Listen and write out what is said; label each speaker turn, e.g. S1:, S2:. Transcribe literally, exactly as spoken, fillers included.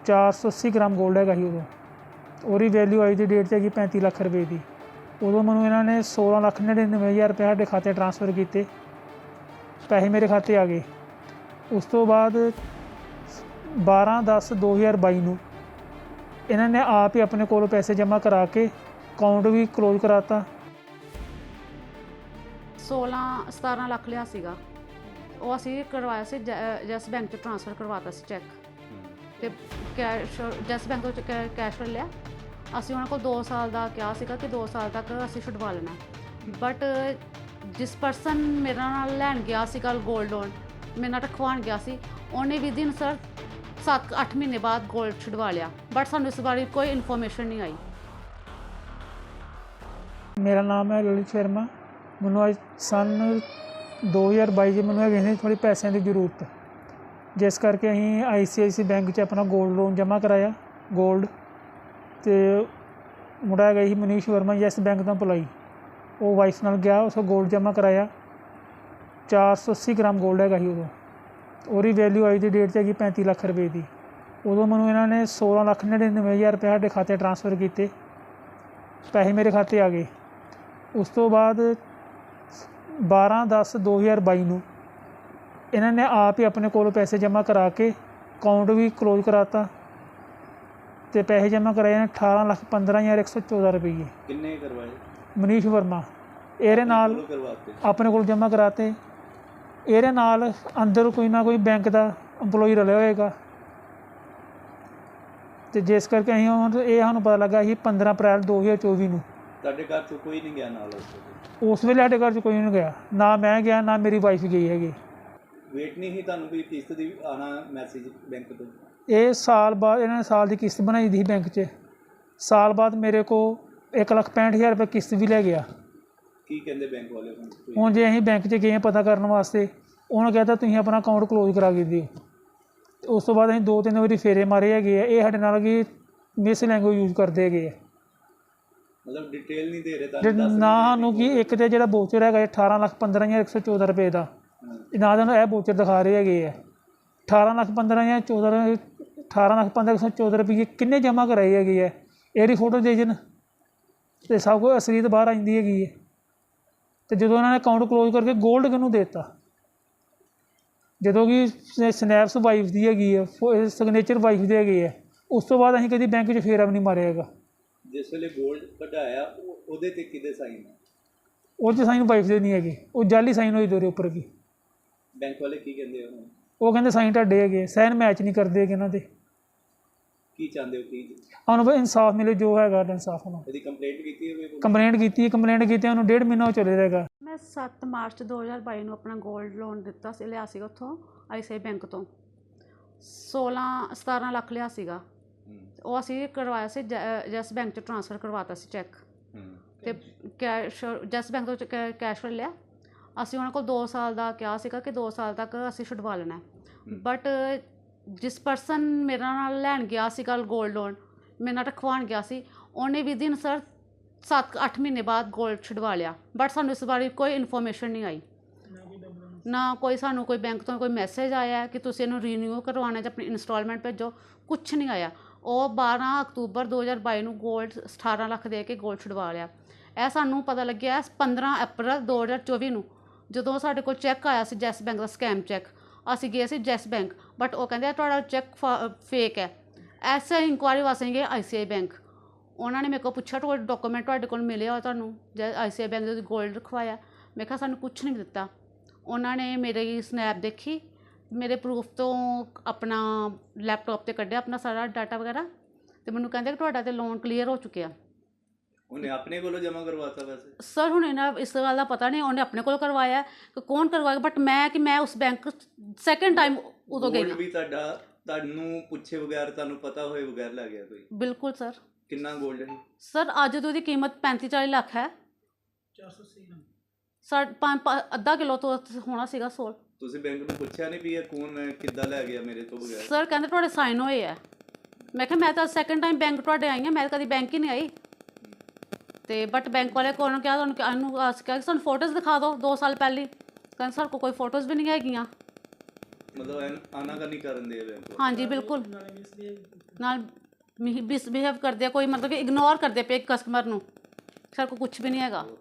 S1: ਚਾਰ ਸੌ ਅੱਸੀ ਗ੍ਰਾਮ ਗੋਲਡ ਹੈਗਾ ਸੀ ਉਦੋਂ। ਉਹਦੀ ਵੈਲਿਊ ਅੱਜ ਦੀ ਡੇਟ 'ਚ ਹੈਗੀ ਪੈਂਤੀ ਲੱਖ ਰੁਪਏ ਦੀ। ਉਦੋਂ ਮੈਨੂੰ ਇਹਨਾਂ ਨੇ ਸੋਲਾਂ ਲੱਖ ਨੜਿਨਵੇਂ ਹਜ਼ਾਰ ਰੁਪਏ ਸਾਡੇ ਖਾਤੇ ਟਰਾਂਸਫਰ ਕੀਤੇ, ਪੈਸੇ ਮੇਰੇ ਖਾਤੇ ਆ ਗਏ। ਉਸ ਤੋਂ ਬਾਅਦ ਬਾਰਾਂ ਦਸ ਦੋ ਹਜ਼ਾਰ ਬਾਈ ਨੂੰ ਇਹਨਾਂ ਨੇ ਆਪ ਹੀ ਆਪਣੇ ਕੋਲੋਂ ਪੈਸੇ ਜਮ੍ਹਾਂ ਕਰਾ ਕੇ ਅਕਾਊਂਟ ਵੀ ਕਲੋਜ਼ ਕਰਾਤਾ।
S2: ਸੋਲਾਂ ਸਤਾਰਾਂ ਲੱਖ ਲਿਆ ਸੀਗਾ, ਉਹ ਅਸੀਂ ਕਰਵਾਇਆ ਸੀ ਜੈਸ ਬੈਂਕ 'ਚ ਟ੍ਰਾਂਸਫਰ ਕਰਵਾਤਾ ਸੀ ਚੈੱਕ, ਅਤੇ ਕੈਸ਼ ਜੈਸ ਬੈਂਕ ਤੋਂ ਕੈਸ਼ ਲੈ ਲਿਆ। ਅਸੀਂ ਉਹਨਾਂ ਕੋਲ ਦੋ ਸਾਲ ਦਾ ਕਿਹਾ ਸੀਗਾ ਕਿ ਦੋ ਸਾਲ ਤੱਕ ਅਸੀਂ ਛੁਡਵਾ ਲੈਣਾ, ਬਟ ਜਿਸ ਪਰਸਨ ਮੇਰੇ ਨਾਲ ਲੈਣ ਗਿਆ ਸੀ ਕੱਲ੍ਹ ਗੋਲਡ ਲੋਨ, ਮੇਰੇ ਨਾਲ ਰਖਵਾਉਣ ਗਿਆ ਸੀ, ਉਹਨੇ ਵੀ ਦਿਨ ਸਰ ਸੱਤ ਅੱਠ ਮਹੀਨੇ ਬਾਅਦ ਗੋਲਡ ਛੁਡਵਾ ਲਿਆ, ਬਟ ਸਾਨੂੰ ਇਸ ਬਾਰੇ ਕੋਈ ਇਨਫੋਰਮੇਸ਼ਨ ਨਹੀਂ ਆਈ।
S1: ਮੇਰਾ ਨਾਮ ਹੈ ਲਲਿਤ ਸ਼ਰਮਾ। ਮੈਨੂੰ ਅੱਜ ਸੰਨ ਦੋ ਹਜ਼ਾਰ ਬਾਈ 'ਚ ਮੈਨੂੰ ਹੈਗੇ ਸੀ ਥੋੜ੍ਹੀ ਪੈਸਿਆਂ ਦੀ ਜ਼ਰੂਰਤ, ਜਿਸ ਕਰਕੇ ਅਸੀਂ ਆਈ ਸੀ ਆਈ ਸੀ ਬੈਂਕ 'ਚ ਆਪਣਾ ਗੋਲਡ ਲੋਨ ਜਮ੍ਹਾਂ ਕਰਾਇਆ ਗੋਲਡ। ਅਤੇ ਮੁੰਡਾ ਹੈਗਾ ਸੀ ਮਨੀਸ਼ ਵਰਮਾ, ਯੈਸ ਬੈਂਕ ਤੋਂ ਅਪਲਾਈ, ਉਹ ਵਾਈਫ ਨਾਲ ਗਿਆ, ਉਸ ਗੋਲਡ ਜਮ੍ਹਾਂ ਕਰਾਇਆ। ਚਾਰ ਸੌ ਅੱਸੀ ਗ੍ਰਾਮ ਗੋਲਡ ਹੈਗਾ ਸੀ ਉਦੋਂ। ਉਹਦੀ ਵੈਲਿਊ ਅੱਜ ਦੀ ਡੇਟ 'ਚ ਹੈਗੀ ਪੈਂਤੀ ਲੱਖ ਰੁਪਏ ਦੀ। ਉਦੋਂ ਮੈਨੂੰ ਇਹਨਾਂ ਨੇ ਸੋਲਾਂ ਲੱਖ ਨੜਿਨਵੇਂ ਹਜ਼ਾਰ ਰੁਪਏ ਸਾਡੇ ਖਾਤੇ ਟਰਾਂਸਫਰ ਕੀਤੇ, ਪੈਸੇ ਮੇਰੇ ਖਾਤੇ ਆ ਗਏ। ਉਸ ਤੋਂ ਬਾਅਦ ਬਾਰਾਂ ਦਸ ਦੋ ਹਜ਼ਾਰ ਬਾਈ ਨੂੰ ਇਹਨਾਂ ਨੇ ਆਪ ਹੀ ਆਪਣੇ ਕੋਲੋਂ ਪੈਸੇ ਜਮ੍ਹਾਂ ਕਰਾ ਕੇ ਅਕਾਊਂਟ ਵੀ ਕਲੋਜ਼ ਕਰਾਤਾ, ਅਤੇ ਪੈਸੇ ਜਮ੍ਹਾਂ ਕਰਾਏ ਨੇ ਅਠਾਰਾਂ ਲੱਖ ਪੰਦਰਾਂ ਹਜ਼ਾਰ ਇੱਕ ਸੌ ਚੌਦਾਂ ਰੁਪਈਏ।
S3: ਕਿੰਨੇ ਕਰਵਾਏ?
S1: ਮਨੀਸ਼ ਵਰਮਾ। ਇਹਦੇ ਨਾਲ ਆਪਣੇ ਕੋਲ ਜਮ੍ਹਾਂ ਕਰਾਤੇ। ਇਹਦੇ ਨਾਲ ਅੰਦਰ ਕੋਈ ਨਾ ਕੋਈ ਬੈਂਕ ਦਾ ਇੰਪਲੋਈ ਰਲਿਆ ਹੋਏਗਾ, ਅਤੇ ਜਿਸ ਕਰਕੇ ਅਸੀਂ ਹੁਣ ਇਹ ਸਾਨੂੰ ਪਤਾ ਲੱਗਾ ਸੀ ਪੰਦਰਾਂ ਅਪ੍ਰੈਲ ਦੋ ਹਜ਼ਾਰ ਚੌਵੀ ਨੂੰ।
S3: ਤੁਹਾਡੇ ਘਰ 'ਚੋਂ ਕੋਈ ਨਹੀਂ ਗਿਆ ਨਾਲ?
S1: ਉਸ ਵੇਲੇ ਸਾਡੇ ਘਰ 'ਚ ਕੋਈ ਨਹੀਂ ਗਿਆ, ਨਾ ਮੈਂ ਗਿਆ ਨਾ ਮੇਰੀ ਵਾਈਫ ਗਈ ਹੈਗੀ।
S3: ਵੇਟ ਨਹੀਂ ਸੀ ਤੁਹਾਨੂੰ ਕੋਈ ਕਿਸ਼ਤ ਦੀ ਆਉਣਾ ਮੈਸੇਜ ਬੈਂਕ ਤੋਂ?
S1: ਇਹ ਸਾਲ ਬਾਅਦ ਇਹਨਾਂ ਨੇ ਸਾਲ ਦੀ ਕਿਸ਼ਤ ਬਣਾਈ ਦੀ ਸੀ ਬੈਂਕ 'ਚ। ਸਾਲ ਬਾਅਦ ਮੇਰੇ ਕੋਲ ਇੱਕ ਲੱਖ ਪੈਂਹਠ ਹਜ਼ਾਰ ਰੁਪਏ ਕਿਸ਼ਤ ਵੀ ਲੈ ਗਿਆ।
S3: ਕੀ ਕਹਿੰਦੇ ਬੈਂਕ ਵਾਲੇ ਹੁਣ?
S1: ਹੁਣ ਜੇ ਅਸੀਂ ਬੈਂਕ 'ਚ ਗਏ ਪਤਾ ਕਰਨ ਵਾਸਤੇ, ਉਹਨੂੰ ਕਹਿੰਦਾ ਤੁਸੀਂ ਆਪਣਾ ਅਕਾਊਂਟ ਕਲੋਜ਼ ਕਰਾ ਕੇ ਦਿਓ। ਉਸ ਤੋਂ ਬਾਅਦ ਅਸੀਂ ਦੋ ਤਿੰਨ ਵਾਰੀ ਫੇਰੇ ਮਾਰੇ ਹੈਗੇ ਆ। ਇਹ ਸਾਡੇ ਨਾਲ ਕਿ ਮਿਸ ਲੈਂਗੁਏਜ ਯੂਜ਼ ਕਰਦੇ ਹੈਗੇ ਆ,
S3: ਮਤਲਬ ਡਿਟੇਲ ਨਹੀਂ ਦੇ ਰਹੇ ਤੁਹਾਨੂੰ?
S1: ਨਾ ਸਾਨੂੰ ਕਿ ਇੱਕ ਤਾਂ ਜਿਹੜਾ ਵੋਚਰ ਹੈਗਾ ਅਠਾਰਾਂ ਲੱਖ ਪੰਦਰਾਂ ਹਜ਼ਾਰ ਇੱਕ ਸੌ ਚੌਦਾਂ ਰੁਪਏ ਦਾ, ਨਾ ਤੁਹਾਨੂੰ ਇਹ ਵੋਚਰ ਦਿਖਾ ਰਹੇ ਹੈਗੇ ਆ। ਅਠਾਰਾਂ ਲੱਖ ਪੰਦਰਾਂ ਹਜ਼ਾਰ ਚੌਦਾਂ ਅਠਾਰਾਂ ਲੱਖ ਪੰਦਰਾਂ ਇੱਕ ਸੌ ਚੌਦਾਂ ਰੁਪਏ ਕਿੰਨੇ ਜਮ੍ਹਾਂ ਕਰਾਏ ਹੈਗੇ ਆ, ਇਹਦੀ ਫੋਟੋ ਦੇ ਜਨ, ਅਤੇ ਸਭ ਕੁਝ ਅਸਲੀਅਤ ਬਾਹਰ ਆ ਜਾਂਦੀ ਹੈਗੀ ਹੈ। ਅਤੇ ਜਦੋਂ ਉਹਨਾਂ ਨੇ ਅਕਾਊਂਟ ਕਲੋਜ਼ ਕਰਕੇ ਗੋਲਡ ਕਿਹਨੂੰ ਦੇ ਦਿੱਤਾ, ਜਦੋਂ ਕਿ ਸਨੈਪਸ ਵਾਈਫ ਦੀ ਹੈਗੀ ਹੈ, ਸਿਗਨੇਚਰ ਵਾਈਫ ਦੇ ਹੈਗੇ ਆ। ਉਸ ਤੋਂ ਬਾਅਦ ਅਸੀਂ ਕਦੀ ਬੈਂਕ 'ਚ ਫੇਰਾ ਵੀ ਨਹੀਂ ਮਾਰਿਆ ਹੈਗਾ।
S3: ਜਿਸ ਵੇਲੇ ਗੋਲਡ ਕਢਾਇਆ ਉਹਦੇ 'ਤੇ ਕਿਹਦੇ ਸਾਈਨ?
S1: ਉਹ 'ਚ ਸਾਈਨ ਵਾਈਫ ਦੇ ਨਹੀਂ ਹੈਗੇ, ਉਹ ਜਾਲੀ ਸਾਈਨ ਹੋਈ ਦੋਰੇ ਉੱਪਰ ਵੀ।
S3: ਬੈਂਕ ਵਾਲੇ ਕੀ ਕਹਿੰਦੇ ਹੁਣ?
S1: ਉਹ ਕਹਿੰਦੇ ਸਾਈਨ ਤੁਹਾਡੇ ਹੈਗੇ, ਸਾਈਨ ਮੈਚ ਨਹੀਂ ਕਰਦੇ ਹੈਗੇ ਇਹਨਾਂ ਦੇ।
S3: ਕੀ ਚਾਹੁੰਦੇ ਹੋ? ਕੀ
S1: ਸਾਨੂੰ ਬਈ ਇਨਸਾਫ ਮਿਲੇ, ਜੋ ਹੈਗਾ ਇਨਸਾਫ ਹੋਣਾ।
S3: ਇਹਦੀ ਕੰਪਲੇਂਟ ਕੀਤੀ ਹੋਵੇ?
S1: ਕੰਪਲੇਂਟ ਕੀਤੀ ਕੰਪਲੇਂਟ ਕੀਤੀ ਉਹਨੂੰ ਡੇਢ ਮਹੀਨਾ ਉਹ ਚੱਲੇ ਰਹੇਗਾ।
S2: ਮੈਂ ਸੱਤ ਮਾਰਚ ਦੋ ਹਜ਼ਾਰ ਬਾਈ ਨੂੰ ਆਪਣਾ ਗੋਲਡ ਲੋਨ ਦਿੱਤਾ ਸੀ, ਲਿਆ ਸੀਗਾ ਉੱਥੋਂ ਆਈ ਸੀ ਆਈ ਬੈਂਕ ਤੋਂ। ਸੋਲਾਂ ਸਤਾਰਾਂ ਲੱਖ ਲਿਆ ਸੀਗਾ, ਉਹ ਅਸੀਂ ਕਰਵਾਇਆ ਸੀ ਜੈਸ ਬੈਂਕ 'ਚ ਟ੍ਰਾਂਸਫਰ ਕਰਵਾਤਾ ਸੀ ਚੈੱਕ, ਅਤੇ ਕੈਸ਼ ਜੈਸ ਬੈਂਕ ਤੋਂ ਕੈਸ਼ ਲੈ ਲਿਆ। ਅਸੀਂ ਉਹਨਾਂ ਕੋਲ ਦੋ ਸਾਲ ਦਾ ਕਿਹਾ ਸੀਗਾ ਕਿ ਦੋ ਸਾਲ ਤੱਕ ਅਸੀਂ ਛੁਡਵਾ ਲੈਣਾ, ਬਟ ਜਿਸ ਪਰਸਨ ਮੇਰੇ ਨਾਲ ਲੈਣ ਗਿਆ ਸੀ ਕੱਲ੍ਹ ਗੋਲਡ ਲੋਨ, ਮੇਰੇ ਨਾਲ ਰਖਵਾਉਣ ਗਿਆ ਸੀ, ਉਹਨੇ ਵੀ ਦਿਨ ਸਰ ਸੱਤ ਅੱਠ ਮਹੀਨੇ ਬਾਅਦ ਗੋਲਡ ਛੁਡਵਾ ਲਿਆ, ਬਟ ਸਾਨੂੰ ਇਸ ਬਾਰੇ ਕੋਈ ਇਨਫੋਰਮੇਸ਼ਨ ਨਹੀਂ ਆਈ। ਨਾ ਕੋਈ ਸਾਨੂੰ ਕੋਈ ਬੈਂਕ ਤੋਂ ਕੋਈ ਮੈਸੇਜ ਆਇਆ ਕਿ ਤੁਸੀਂ ਇਹਨੂੰ ਰੀਨਿਊ ਕਰਵਾਉਣਾ ਜਾਂ ਆਪਣੀ ਇੰਸਟਾਲਮੈਂਟ ਭੇਜੋ, ਕੁਛ ਨਹੀਂ ਆਇਆ। ਉਹ ਬਾਰਾਂ ਅਕਤੂਬਰ ਦੋ ਹਜ਼ਾਰ ਬਾਈ ਨੂੰ ਗੋਲਡ ਅਠਾਰਾਂ ਲੱਖ ਦੇ ਕੇ ਗੋਲਡ ਛੁਡਵਾ ਲਿਆ। ਇਹ ਸਾਨੂੰ ਪਤਾ ਲੱਗਿਆ ਪੰਦਰਾਂ ਅਪ੍ਰੈਲ ਦੋ ਹਜ਼ਾਰ ਚੌਵੀ ਨੂੰ, ਜਦੋਂ ਸਾਡੇ ਕੋਲ ਚੈੱਕ ਆਇਆ ਸੀ ਜੈਸ ਬੈਂਕ ਦਾ ਸਕੈਮ ਚੈੱਕ। ਅਸੀਂ ਗਏ ਸੀ ਜੈਸ ਬੈਂਕ, ਬਟ ਉਹ ਕਹਿੰਦੇ ਤੁਹਾਡਾ ਚੈੱਕ ਫੇਕ ਹੈ। ਐਸੇ ਇਨਕੁਆਇਰੀ ਵਾਸਤੇ ਗਏ ਆਈ ਸੀ ਆਈ ਬੈਂਕ। ਉਹਨਾਂ ਨੇ ਮੇਰੇ ਕੋਲ ਪੁੱਛਿਆ ਤੁਹਾਡੇ ਡਾਕੂਮੈਂਟ ਤੁਹਾਡੇ ਕੋਲ ਮਿਲੇ ਹੋ ਤੁਹਾਨੂੰ ਜੈ ਆਈ ਸੀ ਆਈ ਬੈਂਕ ਦੇ ਗੋਲਡ ਰਖਵਾਇਆ? ਮੈਂ ਕਿਹਾ ਸਾਨੂੰ ਕੁਛ ਨਹੀਂ ਦਿੱਤਾ। ਉਹਨਾਂ ਨੇ ਮੇਰੀ ਸਨੈਪ ਦੇਖੀ, ਮੇਰੇ ਪ੍ਰੂਫ ਤੋਂ ਆਪਣਾ ਲੈਪਟਾਪ 'ਤੇ ਕੱਢਿਆ ਆਪਣਾ ਸਾਰਾ ਡਾਟਾ ਵਗੈਰਾ, ਅਤੇ ਮੈਨੂੰ ਕਹਿੰਦੇ ਕਿ ਤੁਹਾਡਾ ਤਾਂ ਲੋਨ ਕਲੀਅਰ ਹੋ ਚੁੱਕਿਆ।
S3: ਉਹਨੇ ਆਪਣੇ ਕੋਲੋਂ ਜਮ੍ਹਾਂ ਕਰਵਾਤਾ? ਵੈਸੇ
S2: ਸਰ ਹੁਣ ਇਹਨਾਂ ਇਸ ਗੱਲ ਦਾ ਪਤਾ ਨਹੀਂ ਉਹਨੇ ਆਪਣੇ ਕੋਲ ਕਰਵਾਇਆ ਕਿ ਕੌਣ ਕਰਵਾਇਆ, ਬਟ ਮੈਂ ਕਿ ਮੈਂ ਉਸ ਬੈਂਕ ਸੈਕਿੰਡ ਟਾਈਮ ਉਦੋਂ ਗਈ
S3: ਵੀ ਤੁਹਾਡਾ ਤੁਹਾਨੂੰ ਪੁੱਛੇ ਬਗੈਰ ਤੁਹਾਨੂੰ ਪਤਾ ਹੋਏ ਬਗੈਰ ਲੈ ਗਿਆ ਕੋਈ?
S2: ਬਿਲਕੁਲ ਸਰ।
S3: ਕਿੰਨਾ ਗੋਲਡ ਹੈ
S2: ਸਰ? ਅੱਜ ਤੋਂ ਉਹਦੀ ਕੀਮਤ ਪੈਂਤੀ ਚਾਲੀ ਲੱਖ ਹੈ।
S1: ਚਾਰ ਸੌ ਅੱਸੀ ਗ੍ਰਾਮ
S2: ਸਾ ਪੰਜ ਅੱਧਾ ਕਿਲੋ ਤੋਂ ਹੋਣਾ ਸੀਗਾ ਸੋਲ।
S3: ਤੁਸੀਂ ਬੈਂਕ ਨੂੰ ਪੁੱਛਿਆ ਨਹੀਂ ਵੀ ਇਹ ਕੌਣ ਕਿੱਦਾਂ ਲੈ ਗਿਆ ਮੇਰੇ ਤੋਂ ਬਗੈਰ?
S2: ਸਰ ਕਹਿੰਦੇ ਤੁਹਾਡੇ ਸਾਈਨ ਹੋਏ ਹੈ। ਮੈਂ ਕਿਹਾ ਮੈਂ ਤਾਂ ਸੈਕਿੰਡ ਟਾਈਮ ਬੈਂਕ ਤੁਹਾਡੇ ਆਈ ਹਾਂ, ਮੈਂ ਕਦੀ ਬੈਂਕ ਹੀ ਨਹੀਂ ਆਈ। ਅਤੇ ਬਟ ਬੈਂਕ ਵਾਲੇ ਕੋਲ ਕਿਹਾ ਤੁਹਾਨੂੰ ਇਹਨੂੰ ਕਿਹਾ ਕਿ ਸਾਨੂੰ ਫੋਟੋਜ਼ ਦਿਖਾ ਦਿਓ ਦੋ ਸਾਲ ਪਹਿਲੀ। ਕਹਿੰਦੇ ਸਾਡੇ ਕੋਲ ਕੋਈ ਫੋਟੋਜ਼ ਵੀ ਨਹੀਂ ਹੈਗੀਆਂ।
S3: ਮਤਲਬ ਐਨ- ਆਨਾਕਾਨੀ ਕਰਨ ਦੇ ਬੈਂਕ
S2: ਹਾਂਜੀ ਬਿਲਕੁਲ ਨਾਲ ਮਿਸਬਿਹੇਵ ਕਰਦੇ ਆ, ਕੋਈ ਮਤਲਬ ਕਿ ਇਗਨੋਰ ਕਰਦੇ ਪਏ ਕਸਟਮਰ ਨੂੰ। ਸਾਡੇ ਕੋਲ ਕੁਝ ਵੀ ਨਹੀਂ ਹੈਗਾ।